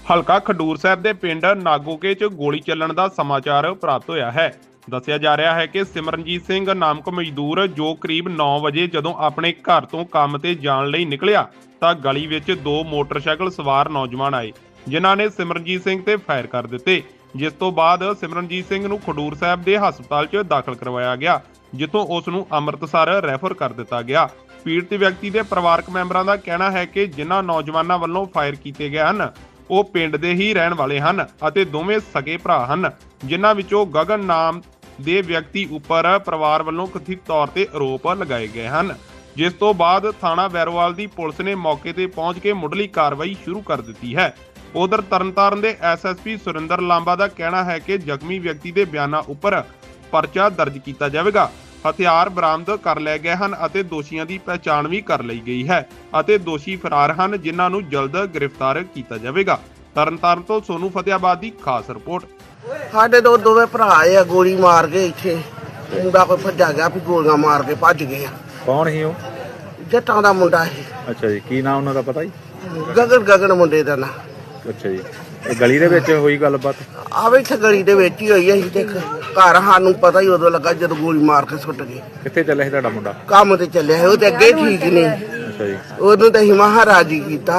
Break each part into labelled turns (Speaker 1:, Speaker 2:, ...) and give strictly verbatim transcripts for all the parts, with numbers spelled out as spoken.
Speaker 1: ਹਲਕਾ ਖਡੂਰ ਸਾਹਿਬ ਦੇ ਪਿੰਡ ਨਾਗੋਕੇ 'ਚ ਗੋਲੀ ਚੱਲਣ ਦਾ ਸਮਾਚਾਰ ਪ੍ਰਾਪਤ ਹੋਇਆ ਹੈ। ਦੱਸਿਆ ਜਾ ਰਿਹਾ ਹੈ ਕਿ ਸਿਮਰਨਜੀਤ ਸਿੰਘ ਨਾਮਕ ਮਜ਼ਦੂਰ ਜੋ ਕਰੀਬ ਨੌ ਵਜੇ ਜਦੋਂ ਆਪਣੇ ਘਰ ਤੋਂ ਕੰਮ ਤੇ ਜਾਣ ਲਈ ਨਿਕਲਿਆ ਤਾਂ ਗਲੀ ਵਿੱਚ ਦੋ ਮੋਟਰਸਾਈਕਲ ਸਵਾਰ ਨੌਜਵਾਨ ਆਏ, ਜਿਨ੍ਹਾਂ ਨੇ ਸਿਮਰਨਜੀਤ ਸਿੰਘ ਤੇ ਫਾਇਰ ਕਰ ਦਿੱਤੇ, ਜਿਸ ਤੋਂ ਬਾਅਦ ਸਿਮਰਨਜੀਤ ਸਿੰਘ ਨੂੰ ਖਡੂਰ ਸਾਹਿਬ ਦੇ ਹਸਪਤਾਲ 'ਚ ਦਾਖਲ ਕਰਵਾਇਆ ਗਿਆ, ਜਿੱਥੋਂ ਉਸ ਨੂੰ ਅੰਮ੍ਰਿਤਸਰ ਰੈਫਰ ਕਰ ਦਿੱਤਾ ਗਿਆ। ਪੀੜਤ ਵਿਅਕਤੀ ਦੇ ਪਰਿਵਾਰਕ ਮੈਂਬਰਾਂ ਦਾ ਕਹਿਣਾ ਹੈ ਕਿ ਜਿਨ੍ਹਾਂ ਨੌਜਵਾਨਾਂ ਵੱਲੋਂ ਫਾਇਰ ਕੀਤੇ ਗਏ ਹਨ ਉਹ ਪਿੰਡ ਦੇ ਹੀ ਰਹਿਣ ਵਾਲੇ ਹਨ ਅਤੇ ਦੋਵੇਂ ਸਗੇ ਭਰਾ ਹਨ, ਜਿਨ੍ਹਾਂ ਵਿੱਚੋਂ ਗਗਨ ਨਾਮ ਦੇ ਵਿਅਕਤੀ ਉੱਪਰ ਪਰਿਵਾਰ ਵੱਲੋਂ ਕਥਿਤ ਤੌਰ ਤੇ ਆਰੋਪ ਲਗਾਏ ਗਏ ਹਨ। ਜਿਸ ਤੋਂ ਬਾਅਦ ਥਾਣਾ ਵੈਰੋਵਾਲ ਦੀ ਪੁਲਿਸ ਨੇ ਮੌਕੇ ਤੇ ਪਹੁੰਚ ਕੇ ਮੁੱਢਲੀ ਕਾਰਵਾਈ ਸ਼ੁਰੂ ਕਰ ਦਿੱਤੀ ਹੈ। ਉਧਰ ਤਰਨਤਾਰਨ ਦੇ S S P Surinder Lamba ਦਾ ਕਹਿਣਾ ਹੈ ਕਿ ਜ਼ਖਮੀ ਵਿਅਕਤੀ ਦੇ ਬਿਆਨਾਂ ਉੱਪਰ ਪਰਚਾ ਦਰਜ ਕੀਤਾ ਜਾਵੇਗਾ। ਹਥਿਆਰ ਬਰਾਮਦ ਕਰ ਲਏ ਗਏ ਹਨ ਅਤੇ ਦੋਸ਼ੀਆਂ ਦੀ ਪਹਿਚਾਣ ਵੀ ਕਰ ਲਈ ਗਈ ਹੈ ਅਤੇ ਦੋਸ਼ੀ ਫਰਾਰ ਹਨ, ਜਿਨ੍ਹਾਂ ਨੂੰ ਜਲਦ ਗ੍ਰਿਫਤਾਰ ਕੀਤਾ ਜਾਵੇਗਾ। ਤਰਨਤਾਰਨ ਤੋਂ ਸੋਨੂ ਫਤਿਆਬਾਦ ਦੀ ਖਾਸ ਰਿਪੋਰਟ।
Speaker 2: ਸਾਡੇ ਦੋ ਦੋਵੇਂ ਭਰਾ ਆ, ਗੋਲੀ ਮਾਰ ਕੇ ਇੱਥੇ ਮੁੰਡਾ ਕੋਈ ਭੱਜਾ ਗਿਆ, ਵੀ ਗੋਲੀਆਂ ਮਾਰ ਕੇ ਭੱਜ ਗਏ ਆ।
Speaker 3: ਕੌਣ ਸੀ ਉਹ?
Speaker 2: ਜੱਟਾਂ ਦਾ ਮੁੰਡਾ ਸੀ।
Speaker 3: ਅੱਛਾ ਜੀ, ਕੀ ਨਾਮ ਉਹਨਾਂ ਦਾ ਪਤਾ ਜੀ?
Speaker 2: ਗਗਨ ਗਗਨ ਮੁੰਡੇ ਦਾ ਨਾਂ।
Speaker 3: ਅੱਛਾ ਜੀ, ਇਹ ਗਲੀ ਦੇ ਵਿੱਚ ਹੋਈ ਗੱਲਬਾਤ?
Speaker 2: ਆਵੇ ਇੱਥੇ ਗਲੀ ਦੇ ਵਿੱਚ ਹੀ ਹੋਈ। ਅਸੀਂ ਤੇ ਘਰ ਸਾਨੂੰ ਪਤਾ ਹੀ ਉਦੋਂ ਲੱਗਾ ਜਦੋਂ ਗੋਲੀ ਮਾਰ ਕੇ ਸੁੱਟ ਗਏ।
Speaker 3: ਕਿੱਥੇ ਚੱਲਿਆ ਸੀ ਤੁਹਾਡਾ ਮੁੰਡਾ?
Speaker 2: ਕੰਮ ਤੇ ਚੱਲਿਆ ਸੀ, ਉਹ ਤੇ ਅੱਗੇ ਠੀਕ ਨਹੀਂ।
Speaker 3: ਅੱਛਾ ਜੀ,
Speaker 2: ਉਹਨੂੰ ਤਾਂ ਅਸੀਂ ਮਹਾਰਾਜੀ ਕੀਤਾ।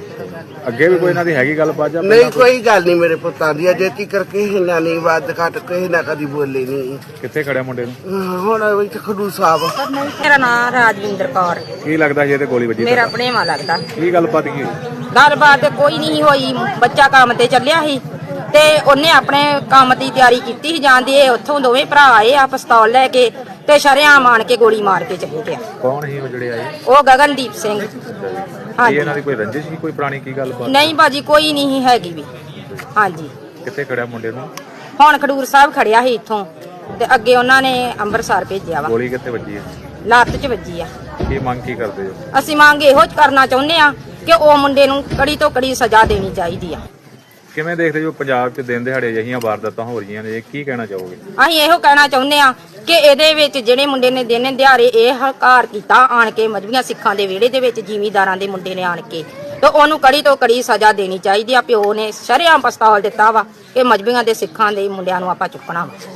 Speaker 3: ਅੱਗੇ ਵੀ ਕੋਈ ਇਹਨਾਂ ਦੀ ਹੈਗੀ ਗੱਲਬਾਤ ਜਾਂ
Speaker 2: ਨਹੀਂ, ਕੋਈ ਗੱਲ ਨਹੀਂ ਮੇਰੇ ਪੁੱਤਾਂ ਦੀ ਅਜੇ ਤੀਕ ਕਰਕੇ ਇਹਨਾਂ ਨਹੀਂ ਵੱਧ ਘੱਟ ਕਿਸੇ ਨਾ ਕਦੀ ਬੋਲੇ ਨਹੀਂ।
Speaker 3: ਕਿੱਥੇ ਖੜਿਆ ਮੁੰਡੇ ਨੂੰ?
Speaker 2: ਹੁਣ ਇੱਥੇ ਖਡੂਰ ਸਾਹਿਬ।
Speaker 4: ਮੇਰਾ ਨਾਮ ਰਾਜਵਿੰਦਰ ਕੌਰ।
Speaker 3: ਕੀ ਲੱਗਦਾ ਸੀ ਇਹਦੇ ਗੋਲੀ ਵੱਜੀ?
Speaker 4: ਮੇਰਾ ਭਣੇਵਾਂ ਲੱਗਦਾ।
Speaker 3: ਕੀ ਗੱਲਬਾਤ ਕੀ ਹੋਈ?
Speaker 4: ਗੱਲਬਾਤ ਤੇ ਕੋਈ ਨਹੀਂ ਹੋਈ। ਬੱਚਾ ਕੰਮ ਤੇ ਚੱਲਿਆ ਸੀ ਤੇ ਉਹਨੇ ਆਪਣੇ ਕੰਮ ਦੀ ਤਿਆਰੀ ਕੀਤੀ ਸੀ ਜਾਂਦੇ। ਉੱਥੋਂ ਦੋਵੇਂ ਭਰਾ ਆਏ ਆ ਪਿਸਤੌਲ ਲੈ ਕੇ ਤੇ ਸ਼ਰੇਆਮ ਆਣ ਕੇ ਗੋਲੀ ਮਾਰ ਕੇ ਚਲੇ ਗਿਆ।
Speaker 3: ਕੌਣ ਸੀ ਉਹ ਜਿਹੜੇ ਆਏ?
Speaker 4: ਉਹ ਗਗਨਦੀਪ ਸਿੰਘ।
Speaker 3: ਹਾਂਜੀ, ਇਹਨਾਂ ਦੀ ਕੋਈ ਰੰਜਿਸ਼ ਸੀ, ਕੋਈ ਪੁਰਾਣੀ ਕੀ ਗੱਲਬਾਤ?
Speaker 4: ਨਹੀਂ ਬਾਜੀ, ਕੋਈ ਨਹੀਂ ਹੈਗੀ ਵੀ। ਹਾਂਜੀ,
Speaker 3: ਕਿੱਥੇ ਖੜਿਆ ਮੁੰਡੇ ਨੂੰ?
Speaker 4: ਹੁਣ ਖਡੂਰ ਸਾਹਿਬ ਖੜਿਆ ਸੀ ਇੱਥੋਂ ਤੇ ਅੱਗੇ ਉਹਨਾਂ ਨੇ ਅੰਮ੍ਰਿਤਸਰ ਭੇਜਿਆ ਵਾ।
Speaker 3: ਗੋਲੀ ਕਿੱਥੇ ਵੱਜੀ ਹੈ?
Speaker 4: ਲੱਤ 'ਚ ਵੱਜੀ ਆ।
Speaker 3: ਕੀ ਮੰਗ ਕੀ ਕਰਦੇ ਹੋ?
Speaker 4: ਅਸੀਂ ਮੰਗ ਇਹੋ ਕਰਨਾ ਚਾਹੁੰਦੇ ਆ ਕਿ ਉਹ ਮੁੰਡੇ ਨੂੰ ਕੜੀ ਤੋਂ ਕੜੀ ਸਜ਼ਾ ਦੇਣੀ ਚਾਹੀਦੀ ਆ।
Speaker 3: ਕਿਵੇਂ ਦੇਖਦੇ ਹੋ ਪੰਜਾਬ 'ਚ ਦਿਨ ਦਿਹਾੜੇ ਅਜਿਹੀਆਂ ਵਾਰਦਾਤਾਂ ਹੋ ਰਹੀਆਂ ਨੇ, ਕੀ ਕਹਿਣਾ ਚਾਹੋਗੇ?
Speaker 4: ਅਸੀਂ ਇਹੋ ਕਹਿਣਾ ਚਾਹੁੰਦੇ ਆ ਕਿ ਇਹਦੇ ਵਿੱਚ ਜਿਹੜੇ ਮੁੰਡੇ ਨੇ ਦਿਨ ਦਿਹਾੜੇ ਇਹ ਹਕਾਰ ਕੀਤਾ ਆਣ ਕੇ ਮਜਬੀਆਂ ਸਿੱਖਾਂ ਦੇ ਵਿਹੜੇ ਦੇ ਵਿੱਚ ਜ਼ਿਮੀਂਦਾਰਾਂ ਦੇ ਮੁੰਡੇ ਨੇ ਆਣ ਕੇ, ਤੇ ਉਹਨੂੰ ਕੜੀ ਤੋਂ ਕੜੀ ਸਜ਼ਾ ਦੇਣੀ ਚਾਹੀਦੀ ਆ। ਪਿਓ ਨੇ ਸ਼ਰੇਆਮ ਪਿਸਤੌਲ ਦਿੱਤਾ ਵਾ ਕਿ ਮਜਬੀਆਂ ਦੇ ਸਿੱਖਾਂ ਦੇ ਮੁੰਡਿਆਂ ਨੂੰ ਆਪਾਂ ਚੁੱਕਣਾ ਵਾ।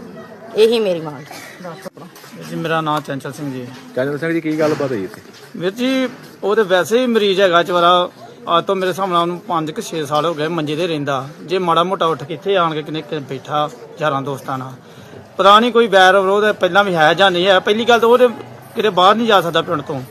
Speaker 4: ਇਹੀ ਮੇਰੀ ਮੰਗ।
Speaker 5: ਜੀ ਮੇਰਾ ਨਾਮ ਚੰਚਲ ਸਿੰਘ ਜੀ।
Speaker 3: ਚੰਚਲ ਸਿੰਘ ਜੀ, ਕੀ ਗੱਲਬਾਤ ਹੋਈ ਇੱਥੇ?
Speaker 5: ਵੀਰ ਜੀ ਉਹ ਤੇ ਵੈਸੇ ਹੀ ਮਰੀਜ਼ ਹੈਗਾ ਚਵਾਰਾ। ਅੱਜ ਤੋਂ ਮੇਰੇ ਹਿਸਾਬ ਨਾਲ ਉਹਨੂੰ ਪੰਜ ਕਿ ਛੇ ਸਾਲ ਹੋ ਗਏ ਮੰਜੇ ਤੇ ਰਹਿੰਦਾ। ਜੇ ਮਾੜਾ ਮੋਟਾ ਉੱਠ ਕੇ ਇੱਥੇ ਆਣ ਕੇ ਕਿਨੇ ਬੈਠਾ ਯਾਰਾਂ ਦੋਸਤਾਂ ਨਾਲ, ਪਤਾ ਨਹੀਂ ਕੋਈ ਵੈਰ ਵਿਰੋਧ ਪਹਿਲਾਂ ਵੀ ਹੈ ਜਾਂ ਨਹੀਂ ਹੈ। ਪਹਿਲੀ ਗੱਲ ਤਾਂ ਉਹ ਕਿਤੇ ਬਾਹਰ ਨਹੀਂ ਜਾ ਸਕਦਾ ਪਿੰਡ ਤੋਂ,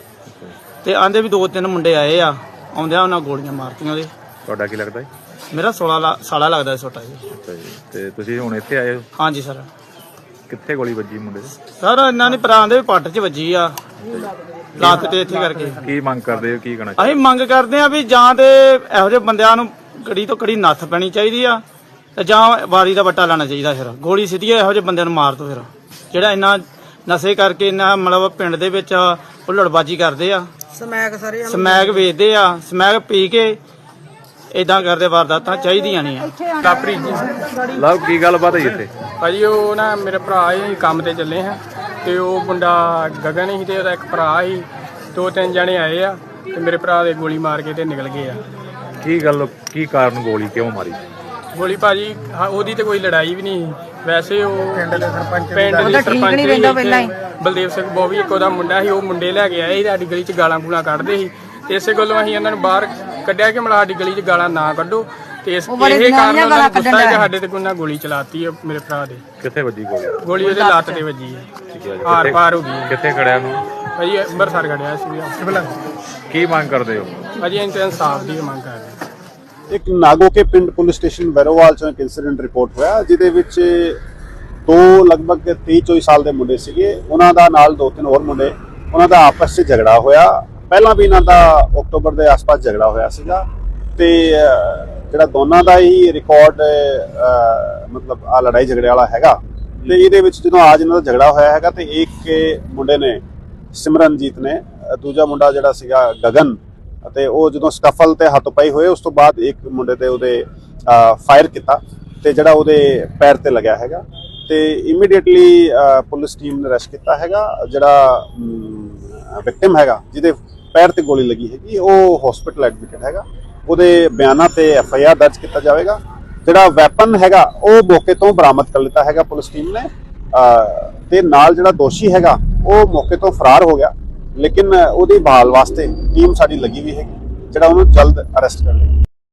Speaker 5: ਤੇ ਆਂਦੇ ਵੀ ਦੋ ਤਿੰਨ ਮੁੰਡੇ ਆਏ ਆ, ਆਉਂਦਿਆਂ ਉਹਨਾਂ ਗੋਲੀਆਂ ਮਾਰਤੀਆਂ ਉਹਦੇ।
Speaker 3: ਤੁਹਾਡਾ ਕੀ ਲੱਗਦਾ?
Speaker 5: ਮੇਰਾ ਸੋਲਾਂ ਸਾਲਾ ਲੱਗਦਾ ਛੋਟਾ ਜੀ।
Speaker 3: ਅੱਛਾ ਜੀ, ਤੇ ਤੁਸੀਂ ਹੁਣ ਇੱਥੇ ਆਏ ਹੋ?
Speaker 5: ਹਾਂਜੀ ਸਰ।
Speaker 3: ਕਿੱਥੇ ਗੋਲੀ ਵੱਜੀ ਮੁੰਡੇ ਦੇ?
Speaker 5: ਸਰ ਇਹਨਾਂ ਨੇ ਭਰਾ ਦੇ ਪੱਟ 'ਚ ਵੱਜੀ ਆ, ਲੱਤ ਤੇ ਇੱਥੇ ਕਰਕੇ।
Speaker 3: ਕੀ ਮੰਗ ਕਰਦੇ ਹੋ, ਕੀ ਕਹਿਣਾ?
Speaker 5: ਅਸੀਂ ਮੰਗ ਕਰਦੇ ਆ ਵੀ ਜਾਂ ਤੇ ਇਹੋ ਜਿਹੇ ਬੰਦਿਆਂ ਨੂੰ ਕੜੀ ਤੋਂ ਕੜੀ ਨੱਥ ਪੈਣੀ ਚਾਹੀਦੀ ਆ, ਤੇ ਜਾਂ ਵਾਰੀ ਦਾ ਵੱਟਾ ਲੈਣਾ ਚਾਹੀਦਾ। ਫਿਰ ਗੋਲੀ ਸਿੱਧੀ ਇਹੋ ਜਿਹੇ ਬੰਦਿਆਂ ਨੂੰ ਮਾਰ ਦੋ। ਫਿਰ ਜਿਹੜਾ ਇੰਨਾ ਨਸ਼ੇ ਕਰਕੇ ਇੰਨਾ ਮਤਲਬ ਪਿੰਡ ਦੇ ਵਿੱਚ ਹੁੱਲੜਬਾਜੀ ਕਰਦੇ ਆ, ਸਮੈਕ ਸਾਰੇ ਸਮੈਕ ਵੇਚਦੇ ਆ, ਸਮੈਕ ਪੀ ਕੇ ਇਦਾਂ ਕਰਦੇ ਵਾਰਦਾਤਾਂ ਚਾਹੀਦੀਆਂ ਨਹੀਂ ਆ।
Speaker 6: ਲਾਪਰੀ ਜੀ
Speaker 3: ਲਵ, ਕੀ ਗੱਲਬਾਤ ਹੋਈ ਇੱਥੇ?
Speaker 6: ਭਾਜੀ ਉਹ ਨਾ ਮੇਰੇ ਭਰਾ ਹੀ ਕੰਮ ਤੇ ਚੱਲੇ ਹਾਂ, ਤੇ ਉਹ ਮੁੰਡਾ ਗਗਨ ਸੀ ਤੇ ਉਹਦਾ ਇੱਕ ਭਰਾ ਸੀ। ਦੋ ਤਿੰਨ ਜਣੇ ਆਏ ਆ ਤੇ ਮੇਰੇ ਭਰਾ ਦੇ ਗੋਲੀ ਮਾਰ ਕੇ ਤੇ ਨਿਕਲ ਗਏ ਆ।
Speaker 3: ਕੀ ਗੱਲ, ਕੀ ਕਾਰਨ ਗੋਲੀ ਕਿਉਂ ਮਾਰੀ?
Speaker 6: ਗੋਲੀ ਭਾਜੀ ਹਾਂ, ਉਹਦੀ ਤੇ ਕੋਈ ਲੜਾਈ ਵੀ ਨਹੀਂ। ਵੈਸੇ ਉਹ ਪਿੰਡ ਦੇ ਸਰਪੰਚ ਪਿੰਡ ਦੇ
Speaker 4: ਠੀਕ
Speaker 6: ਸਰਪੰਚ
Speaker 4: ਨਹੀਂ ਰਹਿੰਦਾ ਪਹਿਲਾਂ ਹੀ।
Speaker 6: ਬਲਦੇਵ ਸਿੰਘ ਬੋਵੀ ਇੱਕ ਉਹਦਾ ਮੁੰਡਾ ਸੀ, ਉਹ ਮੁੰਡੇ ਲੈ ਕੇ ਆਏ ਸੀ। ਸਾਡੀ ਗਲੀ 'ਚ ਗਾਲਾਂ ਗੂਲਾਂ ਕੱਢਦੇ ਸੀ, ਤੇ ਇਸੇ ਗੱਲੋਂ ਅਸੀਂ ਉਹਨਾਂ ਨੂੰ ਬਾਹਰ ਕੱਢਿਆ ਕਿ ਮਤਲਬ ਸਾਡੀ ਗਲੀ 'ਚ ਗਾਲਾਂ ਨਾ ਕੱਢੋ। ਤੇ ਇਸ ਇਹ ਕਾਰਨ ਉਹਨਾਂ ਨੂੰ ਗੁੱਸਾ ਹੈ ਕਿ ਸਾਡੇ ਤੇ ਕੋਈ ਨਾ ਗੋਲੀ ਚਲਾਤੀ ਹੈ ਮੇਰੇ ਭਰਾ ਦੇ।
Speaker 3: ਕਿੱਥੇ ਵੱਜੀ ਗੋਲੀ?
Speaker 6: ਗੋਲੀ ਉਹਦੇ ਲੱਤ ਤੇ ਵੱਜੀ ਹੈ, ਹਾਰ ਪਾਰ ਹੋ ਗਈ।
Speaker 3: ਕਿੱਥੇ ਖੜਿਆ ਨੂੰ?
Speaker 6: ਭਾਜੀ ਅੰਮ੍ਰਿਤਸਰ ਖੜਿਆ ਸੀ।
Speaker 3: ਕੀ ਮੰਗ ਕਰਦੇ ਹੋ?
Speaker 6: ਭਾਜੀ ਅਸੀਂ ਤਾਂ ਇਨਸਾਫ ਦੀ ਮੰਗ ਕਰ ਰਹੇ।
Speaker 7: ਇੱਕ ਨਾਗੋਕੇ ਪਿੰਡ ਪੁਲਿਸ ਸਟੇਸ਼ਨ ਵੈਰੋਵਾਲ ਚ ਇੱਕ ਇਨਸੀਡੈਂਟ ਰਿਪੋਰਟ ਹੋਇਆ, ਜਿਹਦੇ ਵਿੱਚ ਦੋ ਲਗਭਗ ਤੀਹ ਚੌਵੀ ਸਾਲ ਦੇ ਮੁੰਡੇ ਸੀਗੇ। ਉਹਨਾਂ ਦਾ ਨਾਲ ਦੋ ਤਿੰਨ ਹੋਰ ਮੁੰਡੇ, ਉਹਨਾਂ ਦਾ ਆਪਸ 'ਚ ਝਗੜਾ ਹੋਇਆ। ਪਹਿਲਾਂ ਵੀ ਇਹਨਾਂ ਦਾ ਅਕਤੂਬਰ ਦੇ ਆਸ-ਪਾਸ ਝਗੜਾ ਹੋਇਆ ਸੀਗਾ, ਤੇ ਜਿਹੜਾ ਦੋਨਾਂ ਦਾ ਹੀ ਰਿਕਾਰਡ ਮਤਲਬ ਆ ਲੜਾਈ ਝਗੜੇ ਵਾਲਾ ਹੈਗਾ। ਤੇ ਇਹਦੇ ਵਿੱਚ ਜਦੋਂ ਅੱਜ ਇਹਨਾਂ ਦਾ ਝਗੜਾ ਹੋਇਆ ਹੈਗਾ, ਤੇ ਇੱਕ ਮੁੰਡੇ ਨੇ ਸਿਮਰਨਜੀਤ ਨੇ, ਦੂਜਾ ਮੁੰਡਾ ਜਿਹੜਾ ਸੀਗਾ ਗਗਨ, ਅਤੇ ਉਹ ਜਦੋਂ ਸਕਫਲ ਤੇ ਹੱਥ ਪਾਈ ਹੋਏ ਉਸ ਤੋਂ ਬਾਅਦ ਇੱਕ ਮੁੰਡੇ ਤੇ ਉਹਦੇ ਫਾਇਰ ਕੀਤਾ, ਤੇ ਜਿਹੜਾ ਉਹਦੇ ਪੈਰ ਤੇ ਲੱਗਿਆ ਹੈਗਾ। ਤੇ ਇਮੀਡੀਏਟਲੀ ਪੁਲਿਸ ਟੀਮ ਨੇ ਅਰੈਸਟ ਕੀਤਾ ਹੈਗਾ। ਜਿਹੜਾ ਵਿਕਟਿਮ ਹੈਗਾ ਜਿਹਦੇ ਪੈਰ ਤੇ ਗੋਲੀ ਲੱਗੀ ਹੈਗੀ, ਉਹ ਹਸਪੀਟਲ ਐਡਮਿਟਡ ਹੈਗਾ। ਉਹਦੇ ਬਿਆਨਾਂ ਤੇ ਐਫ ਆਈ ਆਰ ਦਰਜ ਕੀਤਾ ਜਾਵੇਗਾ। ਜਿਹੜਾ ਵੈਪਨ ਹੈਗਾ ਉਹ ਮੌਕੇ ਤੋਂ ਬਰਾਮਦ ਕਰ ਲਿੱਤਾ ਹੈਗਾ ਪੁਲਿਸ ਟੀਮ ਨੇ, ਤੇ ਨਾਲ ਜਿਹੜਾ ਦੋਸ਼ੀ ਹੈਗਾ ਉਹ ਮੌਕੇ ਤੋਂ ਫਰਾਰ ਹੋ ਗਿਆ, ਲੇਕਿਨ ਉਹਦੀ ਭਾਲ ਵਾਸਤੇ ਟੀਮ ਸਾਡੀ ਲੱਗੀ ਹੋਈ ਹੈਗੀ, ਜਿਹੜਾ ਉਹਨੂੰ ਜਲਦ ਅਰੈਸਟ ਕਰ ਲਏਗੀ।